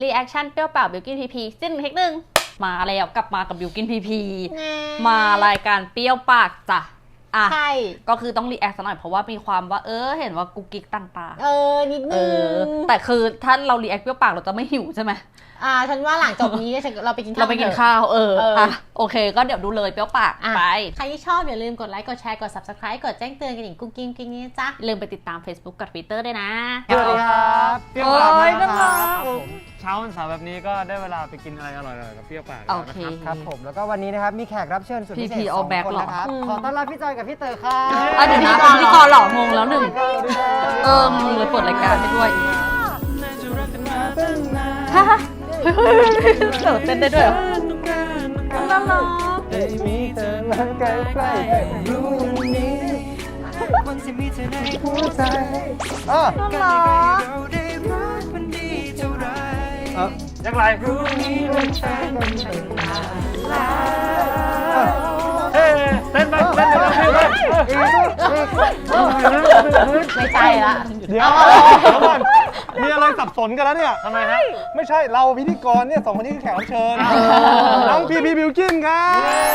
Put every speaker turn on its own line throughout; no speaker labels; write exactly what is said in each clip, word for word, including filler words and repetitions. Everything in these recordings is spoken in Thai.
รีแอคชั่นเปรี้ยวเปล่าบิวกินพีพีสิ้นเทคหนึ่งมาแล้วกลับมากับบิวกินพีพีมารายการเปรี้ยวปากจ้ะอ่ะใช่ก็คือต้องรีแอคสักหน่อยเพราะว่ามีความว่าเออเห็นว่ากุ๊กกิ๊กต่างๆ
เออนิดนึง
แต่คือถ้าเรารีแอคเปรี้ยวปากเราจะไม่หิวใช่ไหม
อ่าฉันว่าหลังจบนี้เราไปกินข้าว
เราไปกินข้าวเอออ่ะโอเคก็เดี๋ยวดูเลยเปรี้ยวปากไป
ใครที่ชอบอย่าลืมกดไลค์กดแชร์กด ซับสไครบ์ กดแจ้งเตือนกันอีกกุ๊กกิ๊กกิ๊กนี้จ้ะ
ลืมไปติดตาม Facebook กับ Twitter ด้วยนะ
สวัสดีครับเปรี้ยวปากมาแล้วครับผมเช้าวันเสาร์แบบนี้ก็ได้เวลาไปกินอะไรอร่อยๆกับเปรี้ยวปากแล้วนะครับ
ครับผมแล้วก็วันนี้นะครับมีแขกรับเชิญสุดพิเศษสองคนนะครับขอต้อนรับพี่จอยกับพี่เต๋อครับ
อ่ะเดี๋ยวนะพี่กรหล่องงแล้วหนึ่งเออมึงเลยเปิดรายการให้ด้วยฮะเฮ้ยเต๋อเต้นได้ด้วยเหรอน่ารัก
ได้มีเธอมาใกล้ๆรู้วันนี้วันที่มีเธอในหัวใจอ๋อ
น่ารัก
ยังไรรู้นี้มันแฟนกันเฮ้เต้นไปเต้นไปเต้นไป
ไม่ใช่ละ
เดี๋ยวก่อนมีอะไรสับสนกันแล้วเนี่ย
ทำไมฮะ
ไม่ใช่เราพิธีกรเนี่ยสองคนนี้คือแขกรับเชิญน้องพีพีบิวกินครับ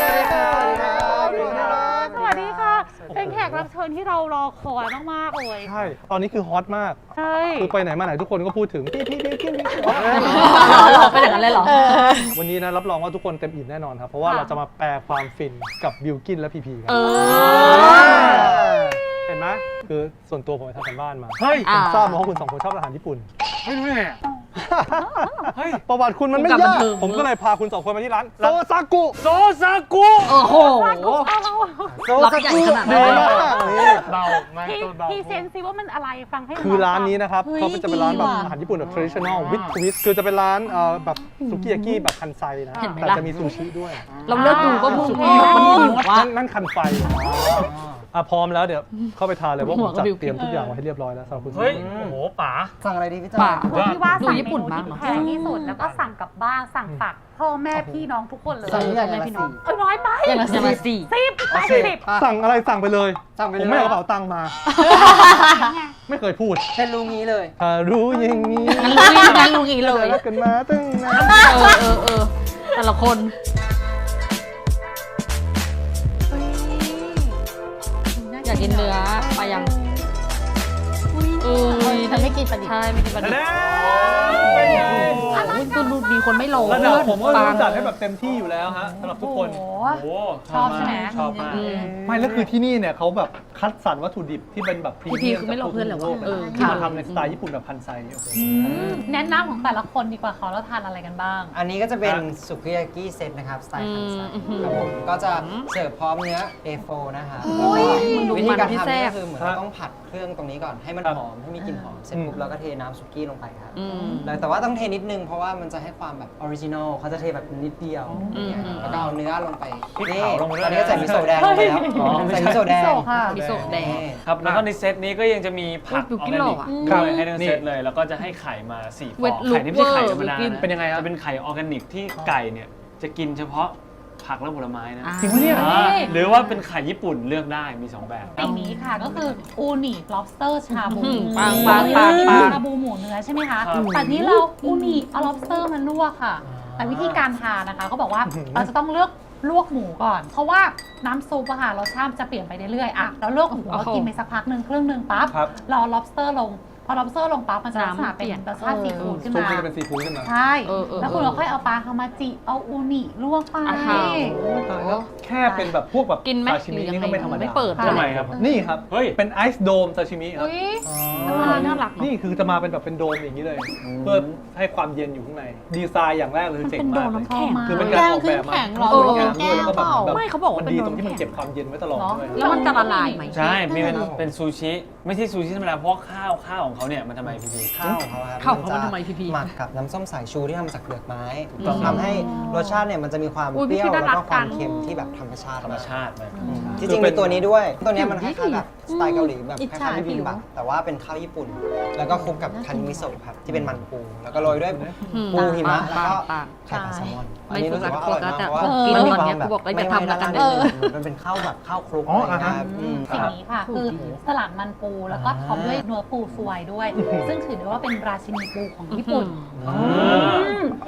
สวัสดีค่ะเป็นแขกรับเชิญที่เรารอคอยมากๆเลย
ใช่ตอนนี้คือฮอตมาก
ใช่
คือไปไหนมาไหนทุกคนก็พูดถึงพีพีบิวกิน
หรอเป็นอย่างนั้นเลยเหรอ
วันนี้นะรับรองว่าทุกคนเต็มอิ่มแน่นอนครับเพราะว่าเราจะมาแปลความฟินกับบิวกินและพีพีกันเห็นไหมคือส่วนตัวผมไปทำกันบ้านมาเฮ้ยผมทราบมาว่าคุณสองคนชอบอาหารญี่ปุ่น
ไม่รู้ไง
เฮ้ยประวัติคุณมันไม่ยากผมก็เลยพาคุณสองคนมาที่ร้านโซซากุ
โซซากุ
โอ้โห
โซซากุดีมากนี่
เบาไม่ตัวเบา
พี่เซนซิว่ามันอะไรฟังให้
คือร้านนี้นะครับเขาจะเป็นร้านแบบอาหารญี่ปุ่นแบบ traditional with twist คือจะเป็นร้านแบบสุกิยากิแบบคันไซนะแต่จะมีซูชิด้วย
เราเลิกดูก็มึง
นั่นคันไฟอ่ะพร้อมแล้วเดี๋ยวเข้าไปทานเลยว่าผมจัดเตรียมทุกอย่างไว้ให้เรียบร้อยแล้วสำหรับคุณ
เฮ้ยโอ้โหป๋า
สั่งอะไรดีพี่จ๋า
ที่ว่าสั่งญี่ปุ่นมากแพงที่สุดแล้วก็สั่งกลับบ้านสั่งฝากพ่อแม่พี่น้องทุกคนเลย
สั่งอย่างไรพี่น้อง
เอ้ยน้อยไป
อย่างละสี่
สิบแปดสิบ
สั่งอะไรสั่งไปเลยผมไม่เอากระเป๋าตังค์มาไม่เคยพูด
แค่รู้งี้เลย
ถ้ารู้อย่างนี้
งั้นรู้งี้เลย
รักกันมาตั้งนาน
เออเออเออแต่ละคนอยากกินเนื้อไปยัง
เออฉันไม่กินปลาดิบ
ใช่ไม่กินปลาดิบคือมีคนไม่ลง
ระดับผมก็จัดให้แบบเต็มที่อยู่แล้วฮะสำหรับทุกคน
ชอบใช่ไหม
ชอบมาก
ไม่แล้วคือที่นี่เนี่ยเขาแบบคัดสรรวัตถุดิบที่เป็นแบบพรีเมียม
คือไม่ลงเพื่อนหรอวะ
ที่มาทำในสไตล์ญี่ปุ่นแบบคันไซ
แนะนำของแต่ละคนดีกว่าเขาแล้วทานอะไรกันบ้าง
อันนี้ก็จะเป็นสุกิยากิเซตนะครับสไตล์คันไซครับผมก็จะเสิร์ฟพร้อมเนื้อ เอ โฟร์ นะคะวิธีการทำก็คือเหมือนเราต้องผัดเครื่องตรงนี้ก่อนให้มันหอมให้มีกลิ่นหอมเสร็จปุ๊บเราก็เทน้ำสุกี้ลงไปครับแต่ว่าต้องเทนิดนึงเพราะว่ามันจะให้ความแบบออริจินอลเขาจะเทแบบนิดเดียวแล้วก็เอาเนื้อลงไปนี่ตอนนี้ใส่มิโซะแดงลงไปแล้วใส่มิโซะแดง
มิโซะแดง
ครับแล้วก็ในเซตนี้ก็ยังจะมีผักออร์แกนิกด้วยให้ทั้งเซตเลยแล้วก็จะให้ไข่มาสี่ฟองไข่นี่ไม่ใช่ไข่ธรรมดา
เป็นยังไงครับ
จะเป็นไข่ออร์แกนิกที่ไก่เนี่ยจะกินเฉพาะผักและผลไม้นะ
จริงปะเนี่ย
หรือว่าเป็นไข่ญี่ปุ่นเลือกได้มีสองแบบ
อันนี้ค่ะก็คืออูนิ lobster ชาบู
ปังปังปังปัง
ชาบูหมูเนื้อใช่ไหมคะแต่นี้เราอูนิเอา lobster มาลวกค่ะแต่วิธีการทานนะคะเขาบอกว่าเราจะต้องเลือกลวกหมูก่อนเพราะว่าน้ำซุปอะค่ะรสชาติจะเปลี่ยนไปเรื่อยๆอ่ะแล้วลวกหมูเรากินไปสักพักหนึ่งครึ่งหนึ่งปั๊บรอ lobster ลงพอ lobster ลงปั๊บมันจะลักษณะเป็นรสชาติซีฟู้ดขึ้นมา
จะเป็นซีฟู้ดขึ้นมา
ใช่แล้วคุณเราค่อยเอาปลาฮามาจิเอาอูนิลวกไป
แค่เป็นแบบพวกแบบซาชิมินี่ก็ไม่ธรรมดา
ไม่เปิด
ทำไมครับ
นี่ครับเป็นไอซ์โดมซาชิมิครับ
น่ารัก
นี่คือจะมาเป็นแบบเป็นโดมอย่างนี้เลยเพื่อให้ความเย็นอยู่ข้างในดีไซน์อย่างแรกเลยเจ๋งมากคือเป็นการออกแบบมาแล้วก็แบบ
ไม่เขาบอกว่า
มันดีตรงที่มันเก็บความเย็นไว้ตลอดด้วย
แล้วมันจะละลายไหม
ใช่มีเป็นเป็นซูชิไม่ใช่ซูชิธรรมดาเพราะข้าวข้าวของเขาเนี่ยมันทำไมพีพี
ข้าวของเขาครับ
ข้าวของเขาทำไมพีพี
หมักกับน้ำส้มสายชูที่ทำจากเปลือกไม้ทำให้รสชาติเนี่ยมันจะมีความเปรี้ยวแล้วก็ความเค็มที่แบบธรรมชาติ
ธรรมชาติ
จริงๆมีตัวนี้ด้วยตัวนี้มันคล้ายๆแบบสไตล์เกาหลีแบบคล้ายๆบิบิมบับแต่ว่าเป็นข้าวญี่ปุ่นแล้วก็คลุกกับคันมิโซะครับที่เป็นมันปูแล้วก็โรยด้วยปูหิมะแล้วก็ไข่ปลาแซลมอนอันนี้รู้สึกว่าอร่อยมากเพราะว่ามันมีความแบบไม่ทำแล้วกันมันเป็นข้าวแบบข้าวคลุกอะไรนะครับ
สิ่งนี้ค่ะคือสลัดมันปูแล้วก็ท็อปด้วยเนื้อปูสวยด้วยซึ่งถือได้ว่าเป็นราชินีปูของญี่ปุ่น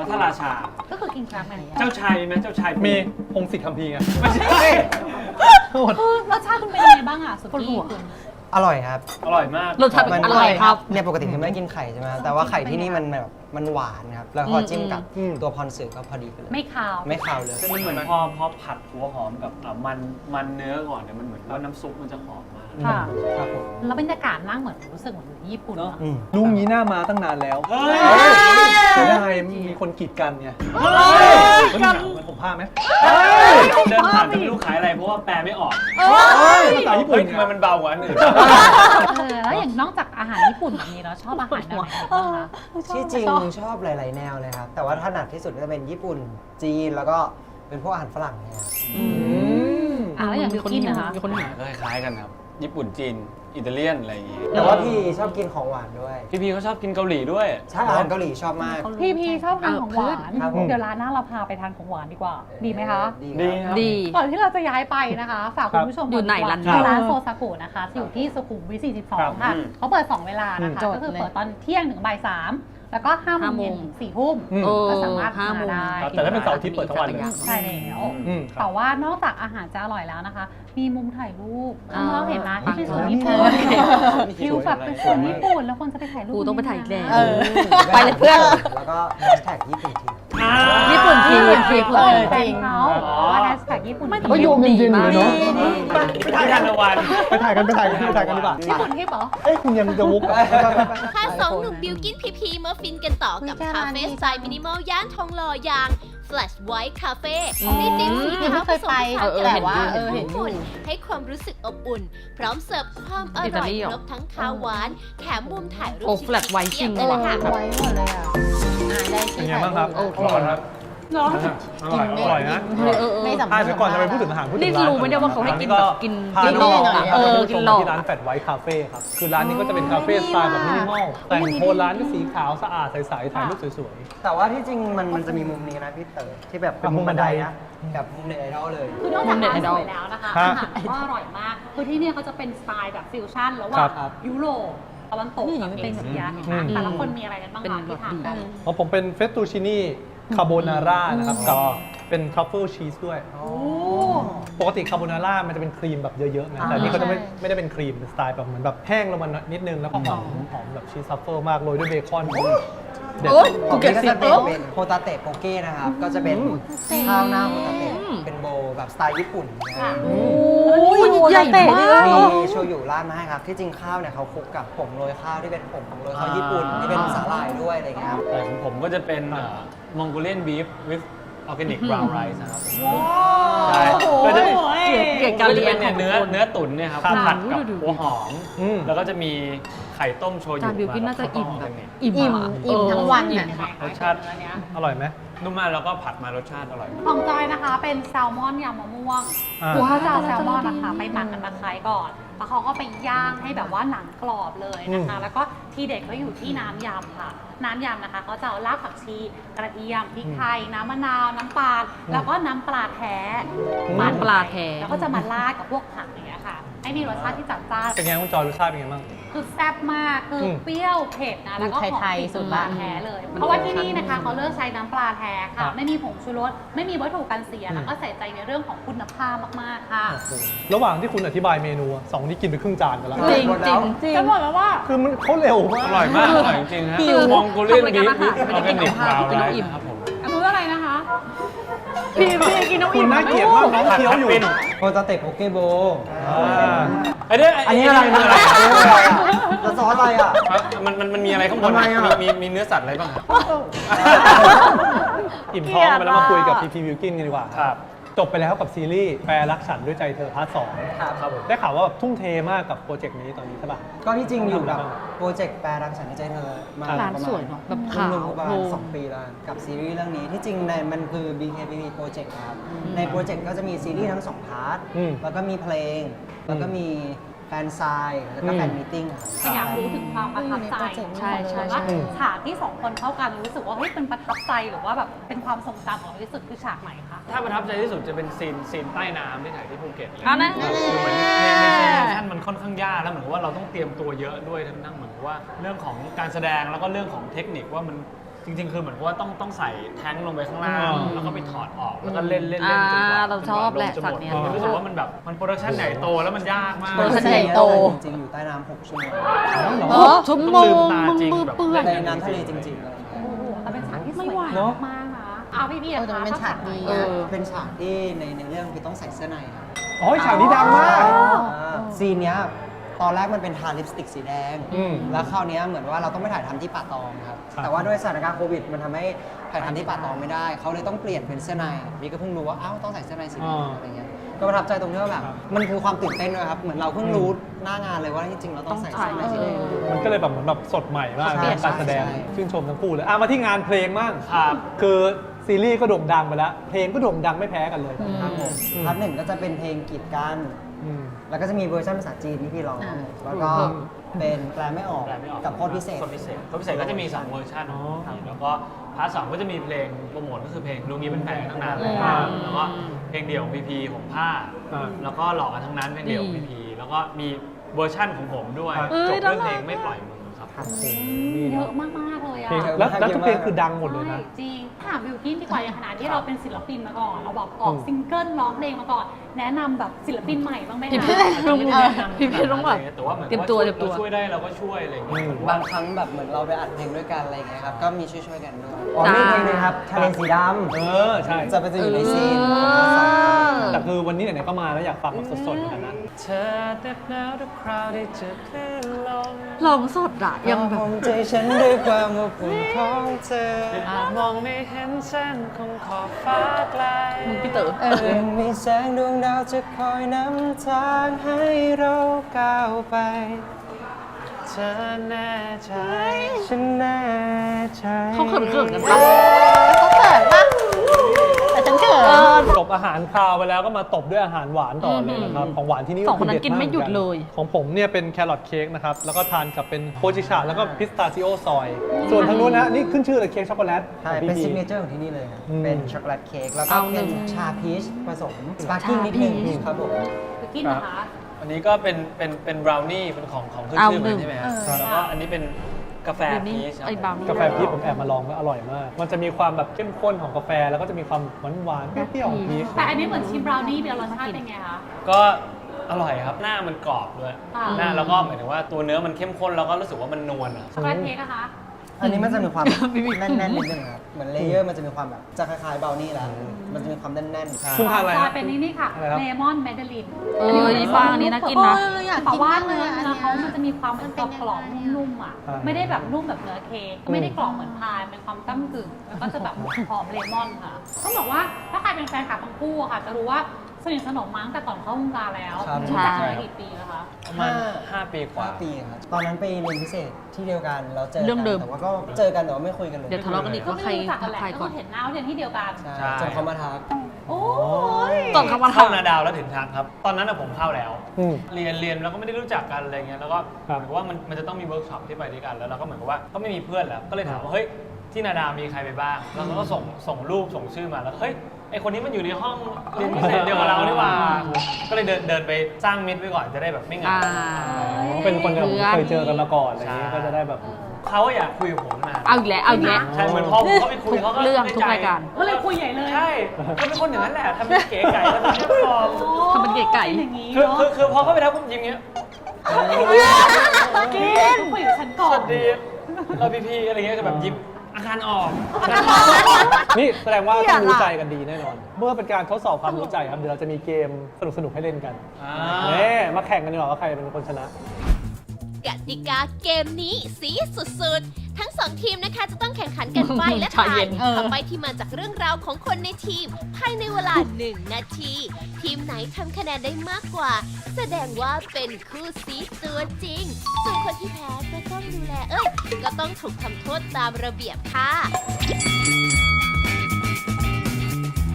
พระราชา
ก็คือกินครั้งไหน
เจ้าชายมีไหมเจ้าชาย
มีพงศิษฐ์คัมภีร์ไง
ไม่ใช่
คือรสชาติคุณเป็นยังไงบ้างอ่ะสุกี้คุณ
อร่อยครับ
อร่อยมาก
รสชาติอร่อยครับ
เนี่ยปกติคือไม่กินไข่ใช่ไหมแต่ว่าไข่ที่นี่มันแบบมันหวานครับ แล้วพอจิ้มกับตัวพรสึก็พอดีไปเลย
ไม่คาว
ไม่คาวเลย
มันเหมือนพอพอผัดหัวหอมกับอ่ะมันมันเนื้อก่อนเนี่ยมันเหมือนว่าน้ำซุปมันจะหอมมาก
ค่ะ
ครับผม
แล้วบรรยากาศนั่งเหมือนรู้สึกเหมือนอยู่ญี่ปุ่นเนอะ
อืม
ลุงนี้หน้ามาตั้งนานแล้ว
เฮ้ย
เสียดายมีคนกีดกันไง
กัน
เหมือนผมผ้าไหม
เดินผ่านจะไม่รู้ขายอะไรเพราะว่าแปลไม่ออก
ภาษาญี่ปุ่น
ทำไมมันเบากว่าอันอื่น
เออแล้วอย่างนอกจากอาหารญี่ปุ่นแบบนี้แล้วชอบอาหารแนวไหนบ้างคะ
ที่จริงชอบหลาย ๆ แนวเลยครับ แต่ว่าถนัดที่สุดก็จะเป็นญี่ปุ่น จีน แล้วก็เป็นพวกอาหารฝรั่งเนี่ยครับ
อ่ะแล้วอย่างบิวกินนะคะ
มีคนหนึ่ง
ก็คล้ายๆกันครับ ญี่ปุ่นจีน อิตาเลียน อะไรอย่างงี้
แต่ว่าพี่ชอบกินของหวานด้วย
พี่พีเขาชอบกินเกาหลีด้วย
ใช่อาหารเกาหลีชอบมาก
พี่พีชอบทานของหวาน
ครับผม
เดี๋ยวร้านหน้าเราพาไปทานของหวานดีกว่า ดีไหมคะ
ดีครับ
ดี
ก่อนที่เราจะย้ายไปนะคะ ฝากคุณผู้ชม
อยู่ไหนร้าน
ร้านโซซากุนะคะอยู่ที่สุขุมวิท สี่สิบสอง ค่ะ เขาเปิด สอง เวลานะคะ ก็คือเปิดตอนเที่ยงถึงบ่ายสามแล้วก็ห้าโมงเย็นถึงสี่ทุ่ม
อืม
ก็สามารถ
ห้า
มา
โมง
ได้
ครับแต่ถ้าเป็นเสาร์อาทิตย์เปิดทั้งวันเลย
ใช่แล้ว
อืมครับ
แต่ว่านอกจากอาหารจะอร่อยแล้วนะคะ มีมุมถ่ายรูป
อ่า
เราเห็นนะที่เป็นสวน
ปัง
ญี่ปุ่น
มี
วิวแบบเป็นสวนญี่ปุ่นแล้วคนจะไปถ่ายรูป
กูต้องไปถ่ายอีกแล้ว
เออ
ไปเลยเพื่อน
แล้วก็แฮชแท็กญี่ปุ่นที
ญี่ปุ่นที่ญี่ปุ่น
เออ
ที่
จริงเขาว่าแฮชแท็กญี่ปุ่น
ไม่แต่ว่าโยงจริงๆเลยเนาะ
ไปทานตะวัน
ไปถ่ายกันไปถ่ายกันไปถ่ายกันดีกว่า
ญี่ปุ่นที่เหรอ
เอ้ยคุณยังจะวุกเหรอ
พาสองหนุ่มบิวกินพีพีมาฟินกันต่อกับคาเฟ่สไตล์มินิมอลย่านทองหล่ออย่าง Flash White Cafe ในธีมสีขาวผสมผสานกับ
แต่ว่า
เออเห็นฝุ่นให้ความรู้สึกอบอุ่น พร้อมเสิร์ฟความอ
อิตา
ร่อย
ลีเหรอ
ครบทั้งคาวหวาน แถมมุมถ่ายรูป
โอ้ Flash White จริง
เลยล่ะค่ะ
ไว้หมดเลยอ่ะอ่าได้
เป็น
ที่
ไง
ถ่าย
บ้างครับ
รูป
อร่อยครับ
เนาะ
อร่อยอร่อยนะ
เออเออเออ
ไม่สำ
อ่ะ
คัญ
เดี๋ยวก่อนจะไปพูดถึงอาหารพูดถึง
นี่
ร้าน
รู้ไหมเนี่ยว่าเขาให้กินแบบกิน
พา
กิน
น้อง
หลอก
ๆ
อะเออ
ไป
กิ
ช
น
ม
หลอก
ที่ร้านแฟดไวท์คาเฟ่ครับ คือร้านนี้ก็จะเป็นคาเฟ่สไตล์แบบมินิมอล แต่งโทนร้านก็สีขาวสะอาดใสๆถ่ายรูปสวย
แต่ว่าที่จริงมันมันจะมีมุมนี้นะพี่เต๋อที่แบบเป็นมุมบันไดนะแบบมุมเน็ตไอดอลเลย
คือนอกจากร้านสวยแล้วนะคะ
ฮะ
อาหารก็อร่อยมาก คือที่เนี่ยเขาจะเป็นสไตล์แบบฟิวชั่นระห
ค
ว่า
รั
ง
บ
ยุโรปตะวันตกกับเอเชีย
อืม
แต่ละคนมีอะไรกันบ้าง
เป็น
คะที่ทานกัน
ๆของผมเป็นเฟสตูชินี่คาโบนาร่านะครับกับเป็นทรัฟเฟิลชีสด้วย ปกติคาโบนาร่ามันจะเป็นครีมแบบเยอะๆนะแต่อันนี่เขาจะไม่ไม่ได้เป็นครีมเป็นสไตล์แบบเหมือนแบบแห้งลงมานิดนึงแล้วก็หอมหอมแบบชีสทรัฟเฟิลมากโรยด้วยเบคอนเด็ด
โอ๊ย
ข
กู
อง
เก็
พี่
บ
ก็
สิ
จะเป็นเป็นโฮตาเตะโปเก้นะครับ ก็จะเป็นข้าวหน้าโฮตาเตะเป็นโบว์แบบสไตล์ญี่ปุ่นนะครับ
โอ้ยใหญ่มาก
มีโชยุราดมาให้ครับ ที่จริงข้าวเนี่ยเขาคลุกกับผงโรยข้าวที่เป็นผงโรยข้าวญี่ปุ่นที่เป็นสาหร่ายด้วยอะไรอย่างเงี้ยครับ
แต่ของผมก็จะเป็นมองโกเลียนบีฟ with organic brown rice นะครับใช่ก็จะ
เกี่ยวกับการเรียน
เนี่ยเนื้อเนื้อตุ๋นเนี่ยครับ
ครับ
ผัดกับ
ดูดู
หัวหอม
อืม
แล้วก็จะมีไข่ต้มโชยุ
จานบิวกินน่าจะอิ่ม
มา
แบ
แล้ว
บ
ก็
อิ่ม
อิ่ม
อะ
อิ่มทั้งวัน
เออ
อ่ะ
รสชาติ
อร่อยไหม
นุ่มมากแล้วก็ผัดมารสชาติอร่อย
ของจอยนะคะเป็นแซลมอนยำมะม่วง
อ่า
คือเขาจะเอาแซลมอนนะคะไปหมักกับตะไคร้ก่อน แล้วเขาก็ไปย่างให้แบบว่าหนังกรอบเลยนะคะ แล้วก็ทีเด็ดก็อยู่ที่น้ำยำค่ะ น้ำยำนะคะเขาจะเอารากผักชี กระเทียม พริกไทย น้ำมะนาว น้ำปลา แล้วก็น้ำปลาแท้
น้ำปลาแท้
แล้วก็จะมาราดกับพวกผักอย่างเงี้ยค่ะ ให้มีรสชาติที่จัดจ้าน
เป็นไงคุณจอยรสชาติเป็นไงบ้าง
คือแซ่บมาก คืออ
ม
เปรี้ยวเผ็ดนะ แล้วก็หอม
ไทยๆ
กลิ่น
สุด
ป
ละ
ลาแท้เลย เพราะว่าที่นี่นะคะเขาเลือกใช้น้ำปลาแท้
ครั
ค่ะ
บ
ไม่มีผงชูรส ไม่มีวัตถุกันเสีย
อืม
แล้วก็ใส่ใจในเรื่องของคุณภาพมากๆค่ะ
ระหว่างที่คุณอธิบายเมนูอะสองที่กินไปครึ่งจานกันแล้ว
จริงจริงจริง
จะบอกแล้วว่า
คือมันเขาเร็วมาก
อร่อยมาก อร่อยจริงๆฮะ
หิว
มองโกเลียน
ทำราย
บี
การ
ฟ
อาหาร
วิ
ไม่
อ
ได้
อร์
กิ
แก
น
นิก
ข้าว
บราวน์
กิน
ไร
แล้วอิ่ม
ซ์ครับผม
อันนู้นอะไรนะคะ
พี่พี่กินน้ำอิ่ม
คุณน่าเกลียดมากน้องเคี้ยวอยู่
ปิ้น
โฮตาเตะโปเก้โบว์
อ่า
ไอ้เนี่ย
อันนี้อะไรนะแล้วซอสอะไรอ่ะ
มันมันมันมีอะไรข้างบน
ทำไมอะ
มีมีมีเนื้อสัตว์อะไรบ้างครับ
อิ่มท้องไปแล้วมาคุยกับพีพีวิวกินกันดีกว่า
ครับ
จบไปแล้วกับซีรีส์แปรรักฉันด้วยใจเธอพาร์ทสอง
ครับครับผม
ได้ข่าวว่าแบบทุ่มเทมากกับโปรเจกต์นี้ตอนนี้ใช่ป่ะ
ก็ที่จริงอยู่กับโปรเจกต์แปรรักฉันในใจเธอมา
ร้าน
ประ
ส
มา
วย
ณ
เนอะแบบขาว
รวมๆประมา
โพ
ณ
ล
สองปีแล้วกับซีรีส์เรื่องนี้ที่จริงในมันคือ บี เค พี พี โปรเจกต์ครับในโปรเจกต์ก็จะมีซีรีส์ทั้งสองพาร์ท
อืม
แล้วก็มีเพลง แล้วก็มีแฟนไซน์แล้วก็แฟน
อืม
มีตติ้งครับ
แต่อยากรู้ถึงความประทับใจ
ใช่ใช่
ว่า
ใช่
ฉากที่สองคนเข้ากันรู้สึกว่าเฮ้ยเป็นประทับใจหรือว่าแบบเป็นความทรงจำของเราที่สุดคือฉากไหนคะ
ถ้าประทับใจที่สุดจะเป็นซีนซีนใต้น้ำที่ถ่ายที่ภูเก็ตเลย
อ่ะนะ
คือเหมือนในในซีนชั่นมันค่อนข้างยากแล้วเหมือนกับว่าเราต้องเตรียมตัวเยอะด้วยทั้งนั้นเหมือนกับว่าเรื่องของการแสดงแล้วก็เรื่องของเทคนิคว่ามันจริงๆ คือเหมือนว่าต้องต้องใส่แท้งลงไปข้างล่าง
อ๋อ
แล้วก็ไปถอดออกแล้วก็เล่นเล่นเล่นจนกว่า
อ่าเราชอบแหละ
จนกว่าลมจะหมด
สัตว์เนี่ย
รู้สึกว่ามันแบบมันโปรดักชั่นใหญ่โตแล้วมันยากมาก
โปรดักชั่นใหญ่โต
จริงๆอยู่ใต้น้ำหกชั่วโมง
เออชั่วโมง
ต้องลืมตาจริง
มือ
แบบ
เปื้อน
ในน้ำทะเลจริงๆอะไรอย่างเงี้ย
โอ้โหแต่เป็นฉากที่สวย
ไม่ไหว
งามมากนะเอาพี่พี่
เออแต่มันเป็นฉากดี
เออ
เป็นฉากที่ในในเรื่องคือต้องใส่เสื้อในครับ
อ๋อฉากนี้ดังมาก
อ่าซีนเนี้ยตอนแรกมันเป็นทาลิปสติกสีแดง
อืม
แล้วคราวเนี้ยเหมือนว่าเราต้องไปถ่ายทำที่ป่าตองครับ
ครับ
แต่ว่าด้วยสถานการณ์โควิดมันทำให้ถ่ายทำที่ป่าตองไม่ได้ เขาเลยต้องเปลี่ยนเป็นเสื้อในพี่ก็เพิ่งรู้ว่าอ้าวต้องใส่เสื้อในสีแดงอะไรเงี้ย ก็ประทับใจตรงที่ว่าแบบมันคือความตื่นเต้นด้วยครับ เหมือนเราเพิ่งรู้หน้างานเลยว่าจริงๆเราต้องใส่เสื้อในสีแดง
มันก็เลยแบบเหมือนแบบสดใหม่มาก
ใช่
การแสดง
ใช่
ชื่นชมทั้งคู่เลยอ่ะมาที่งานเพลงบ้าง
ครับ
คือซีรีส์ก็โด่งดังไปแล้ว เพลงก็โด่งดังไม่แพ้กันเลย
ครับผม
อืม
พาร์ทหนึ่งก็จะเป็นเพลงกีดกัน
อืม
แล้วก็จะมีเวอร์ชันภาษาจีนที่พี่ร้อง แล้วก็เป็นแปลไม่ออก
แปลไม่ออก
กับโคตรพิเศษ
โคตรพิเศษโคตรพิเศษก็จะมีสองเวอร์ชัน
อ๋อ
ครับแล้วก็พาร์ทสองก็จะมีเพลงโปรโมทก็คือเพลงลุงนี้เป็นแฟนกันตั้งนานแล้ว
อ่า
แล้วก็เพลงเดี่ยวของพีพีของผ้า
อ่า
แล้วก็หลอกกันทั้งนั้นเพลงเดี่ยวของพีพีแล้วก็มีเวอร์ชั่นของผมด้วย
ครับ
จบเรื่องเพลงไม่ปล่อยมือครับ
นี่
เย
เนาะ
อะมากๆเลยอะ
เพลงแล้วแล้วทุกเพลงคือดังหมดเลยนะ
ใช่จริงถามบิวกินดีกว่าอย่างขนาดที่เราเป็นศิลปินมาก่อน เราแบบออกซิงเกิลร้องเพลงมาก่อน แนะนำแบบศิลปินใหม่บ้างไหม
พี่
คะ
พี่
ไม่ได้แนะนำ
พี่พี่ต้องแบบ
แต่ว่าเหมือน
เตรียมตัว
ว่า
เตรียมตัว
ช่วยได้เราก็ช่วยอะไรอย่างเงี้ย
อืม
บางครั้งแบบเหมือนเราไปอัดเพลงด้วยกันอะไรอย่างเงี้ยครับ ก็มีช่วยๆกันด้วยอ๋อ
จ้า
มีเพลงนึงครับทะเลสีด
เออ ใช่
ำจะไปจะอยู่ในซีน
เออ
แต่คือวันนี้ไหนๆก็มาแล้วอยากฟังแบบสดๆเหมือนกันนะ
เธอแต่หนาวทุกคราวได้เจอคลื่นลม
ร้องสดอะยังแบบ
ผมใจฉันด้วยความอบอุ่นของเธอ
อาจมองไม่เห็นเส้นคงขอบฟ้าไกล
มึงพี่เต๋อ
ยังมีแสงดวงดาวจะคอยนำทางให้เราก้าวไป
เธอแน่ใจ
ฉันแน่ใจ
เขาเขินๆกันปะ
เขาเขินปะแต่ฉันเขิน
จบอาหารคาวไปแล้วก็มาตบด้วยอาหารหวานต่อเลยนะครับ ของหวานที่นี่
สองคนนั้น
ด็
กินไม่หยุดเลย
ของผมเนี่ยเป็นแครอทเค้กนะครับ แล้วก็ทานกับเป็นโพจิชาแล้วก็พิสตาชิโอซอย ส่วนทางนู้นนะ นี่ขึ้นชื่อเลยเค้กช็อกโกแลต
ใช่
ของ
เป็น
พี่
ซิก
พี
เนเจอร์ของที่นี่เลยครับ
อืม
เป็นช็อกโกแลตเค้กแล้วก็
เอาหนึ่
เป็น
ง
ชาพีชผสมสปาร์กิ้งนิดนึง
ชาพีช
ครับผม
บิวกินนะคะ
อันนี้ก็เป็นเป็นเป็นบราวนี่เป็นของของขึ้น
เอา
ชื่อ
หนึ่
มัน
ง
ใช่ไหมฮะ
เออ
แล้วก็อันนี้เป็นกาแฟ
เดี๋ยวนี้
พีชครับ
ไอ้บราวนี่
กาแฟพีชผมแอบมาลองก็อร่อยมาก มันจะมีความแบบเข้มข้นของกาแฟ แล้วก็จะมีความหวานหวานๆเปรี้ยวๆของพีช
แต่อันนี้เหมือนชิมบราวนี่เป็นรสชาติเป็นไงคะ
ก็อร่อยครับ หน้ามันกรอบด้วย
อ่า
หน้าแล้วก็หมายถึงว่าตัวเนื้อมันเข้มข้นแล้วก็รู้สึกว่ามันนวลอะ
ช็อกโกแลตเค้กอะคะ
อันนี้มันจะมีความแน่นๆนิดนึงครับ เหมือนเลเยอร์มันจะมีความแบบจะคล้ายๆเบลนี่แหละมันจะมีความแน่นๆ
คุณทานอะไร
ซ
ค
อ
รั
ย
บ
เป็นนี่นี่ค่ะ
อะไรครับ
เลมอนแมนดาริน
เออนี่บางอันนี้น่ากินนะ
เอออยาก
แต่
กิน
ว่าม
ากเล
เนื้อย
อัน
เนื้อ
เนี้ย
เขามันจะมีความ
มัน
ก
เป็
ร
น
อบ
ยังไง
กรอบๆนุ่มๆอ่ะ
อ่า
ไม่ได้แบบนุ่มแบบเนื้อเค้กก็ไม่ได้กรอบเหมือนพายเป็นความก้ำกึ่งแล้วก็จะแบบหอมเลมอนค่ะต้องบอกว่าถ้าใครเป็นแฟนคลับทั้งคู่อะค่ะ จะรู้ว่าสนิทสนมมาตั้งแต่ก่อนเข้าวงการแล้ว
ครับ
รู้จักกันมากี่ปีแล้วคะ
ประมาณห้าปีกว่า
ห้าปีครับ ตอนนั้นไปเรียนพิเศษที่เดียวกันแล้วเจอ
เรื่องเดิม
แต่ว่าก็เจอกันแต่ว่าไม่คุยกันเลย
เดี๋ยวทะเลาะกันอีก
ก็
ว่า
ไม่
ใคร
รู้จักกันแหละ
ใคร
ก็
ก่อน
เห็นหน้าว่าเรียนที่เดียวกัน
ใช่
ใช่
จนเขามาทัก
โอ้ย
ก่อนเข้ามา
เข้า
ทำ
นาดาวแล้วถึงทางครับ ตอนนั้นอะผมเข้าแล้ว
อืม
เรียนเรียนแล้วก็ไม่ได้รู้จักกันอะไรเงี้ยแล้วก็
ครับ
เหมือนกับว่ามันมันจะต้องมีเวิร์กช็อปที่ไปด้วยกันแล้วเราก็เหมือนกับว่าก็ไม่มีเพื่อนแล้วก็เลยถามว่าเฮ้ยที่นาดาวมีใครไปบ้างแล้วเราก็ส่งส่งรูปส่งชื่อมาแล้วเฮ้ยไอคนนี้มันอยู่ในห้องเรียนพิเศษเดียวกับเรานี่หว่าก็เลยเดินเดินไปสร้างมิตรไว้ก่อนจะได้แบบไม่เหงา
อ่า
เป็นคนที่แบบ
เพื่อน
เคยเจอกันมาก่อนอะไรอย่างนี้
ใช่
ก็จะได้แบบ
เขาอยากคุยกับผมนาน
เอาอีกแล้วเอาอีกแล้ว
ใช่เหมือนพอผมเข้าไปคุยเขาก็
ทุกเรื่อง
ได้
ทุก
ใจ
รายการ
ก็เลยคุยใหญ่เลย
ใช่ก็เป็นคนอย่างนั้นแหละทำเป็นเก๋ไก่แล้วทำเป็นฟอร์ม
ทำเป็นเก๋ไก่
อย่างนี้
คือ
เนาะ
คือคือพอเข้าไปแล้วผมยิ้มเงี้ย
กินคุยกับฉันก่อ
ส
น
วัสดีเราพี่พี่อะไรเงี้ยคือแบบยิ้มอาการออก
นี่แสดงว่าต้องรู้ใจกันดีแน่นอน เมื่อเป็นการทดสอบความรู้ใจครับ เดี๋ยวเราจะมีเกมสนุกๆให้เล่นกัน
อ่า
เน่มาแข่งกันดีกว่าว่าใครเป็นคนชนะ
กติกาเกมนี้สีสุดๆ ทั้งสองทีมนะคะจะต้องแข่งขันกันใบและ
ใจ
ทา
เย็
ย
น
คำใบที่มาจากเรื่องราวของคนในทีม ภายในเวลาหนึ่งนาที ทีมไหนทำคะแนนได้มากกว่า แสดงว่าเป็นคู่ซีตัวจริง ส่วนคนที่แพ้ก็ต้องดูแลเอ้ย ก็ต้องถูกทำโทษตามระเบียบค่ะ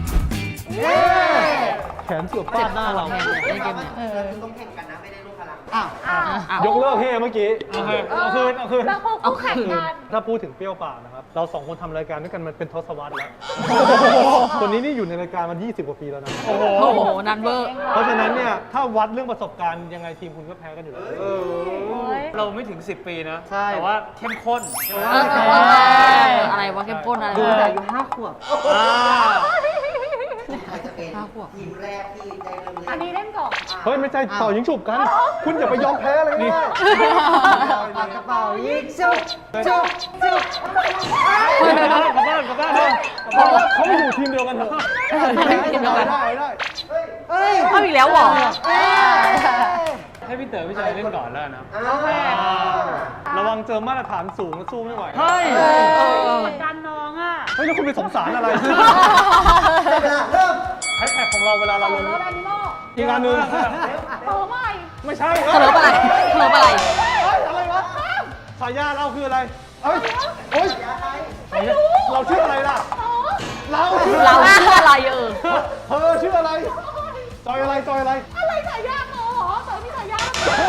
แขนเสือกฟาดหน้าเรา
เล่นเกมเนี่ย
ต้องแข่งกันนะไม่ได้ลูกพลังอ้าว
อ้าว
อ่ะ
ยกเลิกเฮ่เมื่อกี้
โอเคเอาคืนเอาคืน
แล้วพวกคู่แข่งกัน
ถ้าพูดถึงเปรี้ยวปากนะครับ เราสองคนทำรายการด้วยกันมันเป็นทศวรรษแล้ว คนนี้นี่อยู่ในรายการมายี่สิบกว่าปีแล้วนะ
โอ้โห
โอ้โหนันเวอร์
เพราะฉะนั้นเนี่ย ถ้าวัดเรื่องประสบการณ์ยังไงทีมคุณก็แพ้กันอยู่แล้ว
เราไม่ถึง สิบ ปีนะ
ใช่
แต่ว่าเข้มข้นใช่ไหม
เออเอออะไรวะเข้มข้นอะไร
ดู
วะ
แต่อายุห้าขวบ
อ่า
ใครจะเป็นทีมแรกที่ได้เริ่ม
อั
เล่
น
น
นี้เล่นก่อน
เฮ้ย ไม่ใช่ต่อยิงฉุบกัน คุณอย่าไปยอมแพ้เลยนี่
ปากกระเป๋ายิงจุ๊บจุ๊บจุ๊บ
กลับบ้านกลับบ้านกลับบ้านเลย
เขาเขาไม่อยู่ทีมเดียวกันเถอะได้ได้
เฮ้ย
เอาอีกแล้วเหรอ
ให้พี่เต๋อพี่ชายเล่นก่อนแล้วนะ
โอเค
ระวังเจอมาตรฐานสูงแล้วสู้ไม่ไหว
เฮ้ย
เหมือนกันน้องอ่ะ
เฮ้ย แล้วคุณไปสงสารอะไร
เวลาเริ่ม
แฮชแท็กของเราเวลาเราลง
รถแอนิมอล
อีกอันหนึ่ง
โตใหม่
ไม่ใช่
เขลิบอะไรเขลิบอะไร
เฮ้ยอะไรวะสายญาเราคืออะไรเอ้ยเฮ้ยเราชื่ออะไรล่ะ เราชื่อ
เราชื่ออะไรเออ
เธอชื่ออะไร จอยอะไรจอยอะไร
อะไรสายยากเหรอเต๋อมีสายยาก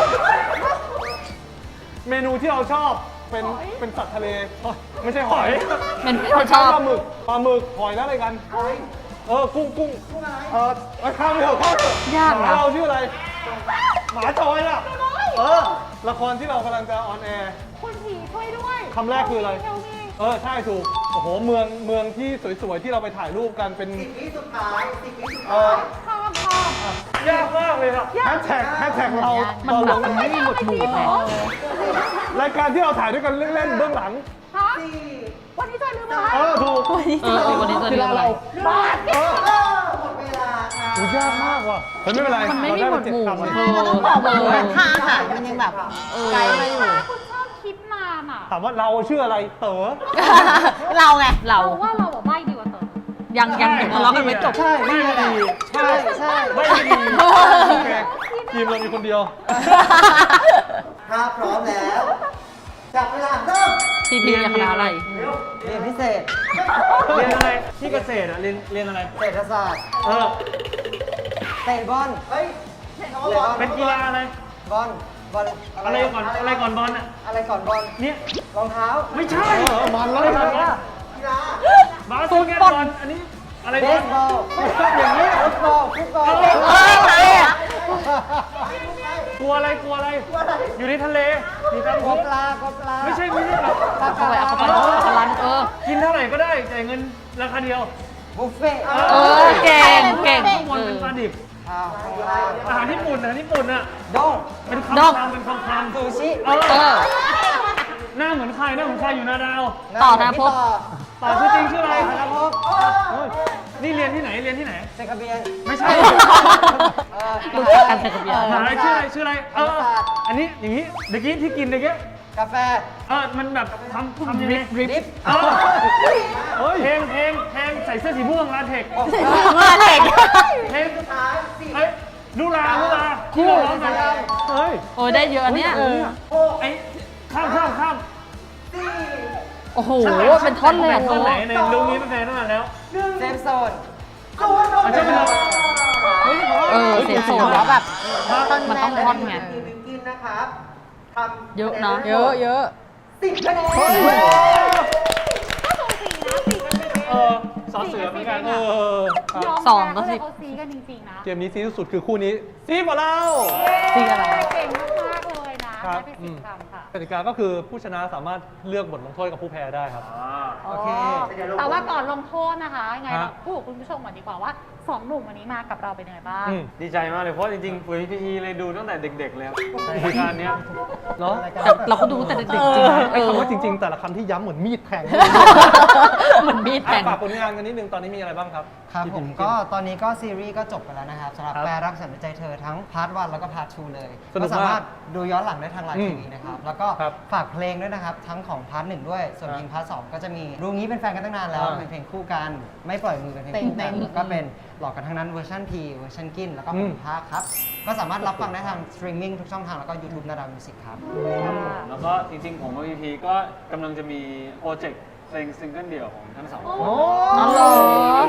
เมนูที่เราชอบเป็นเป็นสัตว์ทะเลไม่ใช่หอย
เป็น
ไม่
ช
ใช่
อบ
ปลาหมึกปลาหมึกหอยแล้วอะไรกันเออกุ้งกุ้งเออเอ้ยข้ามไปเถอะข้ามไปเถอะ
ยาก
หมา
นะ
เราชื่ออะไร หมาจอยอ่ะเออละครที่เรากำลังจะออนแอร์
คุณผีช่วยด้วย
คำแรกคืออะไร
เทลมี
เออ ใช่ถูก โอ้โห เมืองเมืองที่สวยๆ ที่เราไปถ่ายรูปกันเป็น
สิบวิสุดท้ายสิบวิสุด
เอ
ท้า
อย
ข้ามข้าม
ยากมากเลยครับ
แฮชแท็กแฮชแท็กเรา
มัน
ตอน
แบ
ล
บ
ง
มันไม่มีหมวดหมู่ไง
รายการที่เราถ่ายด้วยกันเล่นๆเบื้องหลัง
ฮะวันนี้จอยลืมอะไร
เออ ถูก
เออวันนี้จะ
กี
เรีย
ฬาก
อะไร
เรา
บ้าน
เออ
เออหมดเวลาครับ
โอ้ยากมากว่ะเฮ้ยไม่เป็นไร
มันไม่มี
เรา
หม
ด้
วดหมู่
เจ็คำ
เออเออ
ค่าอาหารมันยังแบบไกลมาอยู่
คุณชอบคิดนานอ่ะ
ถามว่าเราชื่ออะไร เต๋อ
เราไง
เรา
เราว่าเราแบบใบ้ดีกว่าเต๋อ
ยังยังทะเลาะกันไม่จบ
ใช่ไม่ดี
ใช่ใช่
ไม่ดี
โอเคทีมเรามีคนเดียว
ถ้าพร้อมแล้วจับเวลาเริ่ม
ทีพีคณะอะไร
เรียนพิเศษ
เรียนอะไรที่เกษตรอ่ะเรียนเรียนอะไร
เศรษฐศาสตร์
เออ
เตะบอล
เฮ้ยคำว่าบอล
เป็นกีฬาอะไร
บอลบอล
อะไรก่อนอะไรก่อนบอลอ่ะ
อะไรก่อนบอล
เนี่ย
รองเท้า
ไม่ใช่
เออมันแล้ว
อะไรก่อนบอล
กีฬา
บาสเกตบอลอันนี้อะไร
เบบ
อล
สบอลอย่างนี้ฟุตบอลฟุตบอล
เอ้ยใครอ่ะ
กลัวอะไรกลัวอะไร อยู่ในทะเลมีตาม
ก
คุ
บ
ก
ปลากบปลา
ไม่ใช่ไม่ใช่หรอก
เอาเข้าไปเอาเข้าไปเอาเข้าไปเออ
กินเท่าไหร่ก็ได้จ่ายเงินราคาเดียว
บุฟเฟ่ต์
เออ เก่งเก่ง
ข้างบนเป็นปลาดิบ
ข้าวข้างล่าง
อาหารญี่ปุ่นอาหารญี่ปุ่นอ่ะ
ด้ง
เป็น
ดอก
คำคำเป็นคำคำ
ซูชิ
เอ
เอ
อ
อ
หน้าเหมือนใครหน้าเหมือนใครอยู่นาดาว
ต่อนะพบ
ต่อชื่อจริงชื่ออะไร
ธนภพ
นี่เรียนที่ไหนเรียนที่ไหน
เซคาเบียน
ไม่ใช่
เออ
รู้จักกันแต่กับเบียร์
มหาอะไรชื่ออะไรชื่ออะไรเอออันนี้อย่างนี้เมื่อกี้ที่กินเมื่อกี้
กาแฟ
เออมันแบบทำทำยังไง
ริป
เออ
เฮ้ย
เพลงเพลงเพลงใส่เสื้อสีม่วงลาเทค
มาเด็ก
เพลงเอ้ยลูลาลูลาคู่ร้องกัน
เฮ้ย
โอ้ยได้เยอะเนี่ย
ไอ้ข้ามข้ามข้าม
โอ้โห เป็นท่อนเลยอ่ะ
ท่
โท
อนไหนในลุงนี้เป็นแฟนตั้งนานแล้ว
เซฟโซน
อาจจะเป็นเรา
เออ เสียงสูง
แล้วแบบ
มันต้องท่อนไง
คือบิวกินนะครับทำ
เยอะนะ
เยอะเยอะ
สิบคะแนน
ก็สูสีนะสีกันเป็น
เออสอเสือเหมือนกัน
เออครับ
ยอม
สองก็
ก็
สิ
สิเขาซีกันจริงๆนะ
เกมนี้ซีที่สุดคือคู่นี้ซีกว่าเรา
ซีอะไร
เก่งมากๆเลยนะครับ ได้ไปสิบคำค่ะ
กติกาก็คือผู้ชนะสามารถเลือกบทลงโทษกับผู้แพ้ได้ครับ
โอเค
แต่ว่าก่อนลงโทษนะคะยังไง
ฮะ
เราพูดกับคุณผู้ชมก่อนดีกว่าว่าสองหนุ่มวันนี้มากับเราเป็นยังไงบ้าง
อืม
ดีใจมากเลยเพราะจริงๆปุ๋ยพีเลยดูตั้งแต่เด็กๆเลยครับรายการเนี้ย
เนาะ
แต่เราก็ดูแต่เด็กๆจริงนะ
ไอ้
เออ
คำว่าจริง ๆ แต่ละคำที่ย้ำเหมือนมีดแทง
เหมือนมีดแทง
อ่ะฝากผลงานกันนิดนึง ตอนนี้มีอะไรบ้างครับ
ครับ
ที่
ผม
พี่
ก็ตอนนี้ก็ซีรีส์ก็จบไปแล้วนะครับสำหรับ
ครับ
แปรรักสันใจเธอทั้งพาร์ทวันแล้วก็พาร์ททูเลย
สนุกมาก
ก็สามารถดูย้อนหลังได้ทางไลน์
อืม
ทีวีนะครับ แล้วก็
ครับ
ฝากเพลงด้วยนะครับ ทั้งของพาร์ทหนึ่งด้วย ส่วน
ครับ
เพลงพาร์ทสองก็จะมีรู้งี้เป็นแฟนกันตั้งนานแล้ว
อ่า
เป็นเพลงคู่กัน ไม่ปล่อยมือเป็นเพลงคู่กัน
เต็งๆ
แล้วก็เป็นหลอกกันทั้งนั้นเวอร์ชันพีเวอร์ชันกินแล้วก็
อื
ผม มภาคครับ ก็สามารถรับฟังได้ทางสตรีมมิ่งทุกช่องทางแล้วก็ YouTube นาดาวมิวสิกครับ
แล้วก็จริงๆ ผมกับพีพีก็กำลังจะมีโปรเจกต์เพลงซิงเกิลเดี่ยวของทั้งสองคน
โอ้
อ๋อเหรอ
แต่ว่าเ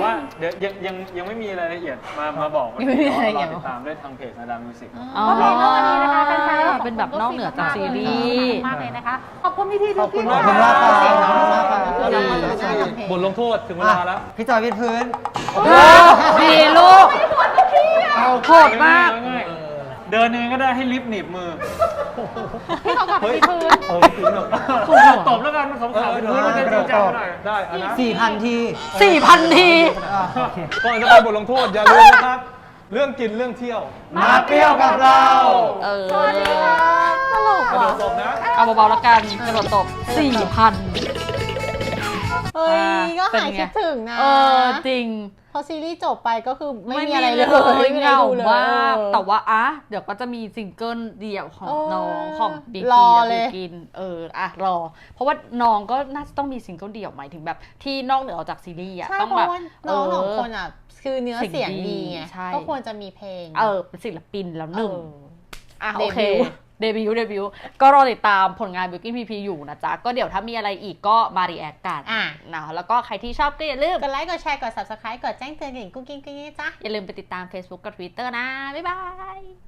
ดี๋ยวยังยังยังไม่มีรายละเอียดมามาบอก
ยังไม่มีรายละเอียด
รอติดตามได้ทางเพจนาดามิวสิก
อ๋อ
ก็เพลงเรื่องนี้นะคะแฟนๆก็ขอบคุณ
เป็นแบบนอกเหนือจากซีรีส์
มากเลยนะคะ ขอบคุณพี่ที
ขอบคุณ
พี่
มาก
ค่ะ
ขอบคุณมากครับ
เสียงน้องมากค่ะ
ขอบคุณมากครับ
บทลงโทษถึงเวลาแล้ว
พี่จอยวิดพื้น
ดีลูกโหดมาก
ง่ายๆเดินยังไงก็ได้ให้ลิฟต์หนีบมือ
พี่เขากลับไปที่พื้น
เออถึงแบบ
ตบแล้วกันขำๆไปพื้นมันจะจริงจังหน่อย
ได้อันนะ
สี่พันที
สี่พันที
อ่าโอเค
ก่อนจะไปบทลงโทษอย่าลืมนะครับ เรื่องกินเรื่องเที่ยว
มาเปรี้ยวกับเรา
เออ
ตลก
กระโด
ว่ะ
ดตบนะ
เอาเบาๆแล้วกันกระโดดตบสี่พัน
เฮ้ย ก็
เป็น
หาย
ไง
คิดถึงนะ
เออจริง
พอซีรีส์จบไปก็คือไม่มีอะไรเลย
ไม่มี
ไม่
เห
ได้
งา
ดูเลย
มาก
เออ
แต่ว่าอ่ะเดี๋ยวก็จะมีซิงเกิลเดี่ยวของ
เออ
น้องของบิ๊ก
รอ
กี้
เล
และ
ย
บิวกินเอออ่ะรอ เพราะว่าน้องก็น่าจะต้องมีซิงเกิลเดี่ยวหมายถึงแบบ ที่นอกเหนือออกจากซีรีส์อ่ะ
ใช่
ต้อง
เพ
แบบ
ราะว่าน้องสองคนอ่ะ คือเนื้อ
เสี
เสี
ย
ย
ง
ง
ดี
ดีไง
ใช่
ก็ควรจะมีเพลง
เออเป็นศิลปินแล้วหนึ่ง
เออ
อ่ะ
เด
โอเค
บิวต์
เดบิวต์เดบิวต์ก็รอติดตามผลงานบิวกิ้นพีพีอยู่นะจ๊ะ ก็เดี๋ยวถ้ามีอะไรอีกก็มารีแอคกัน
อ่ะ
นะแล้วก็ใครที่ชอบก็อย่าลืม
กดไลค์ กดแชร์ กด ซับสไครบ์ กดแจ้งเตือนกันกุ๊กกิ๊งกุ๊กกิ๊งจ้า
อย่าลืมไปติดตาม Facebook กับ Twitter นะ บ๊ายบาย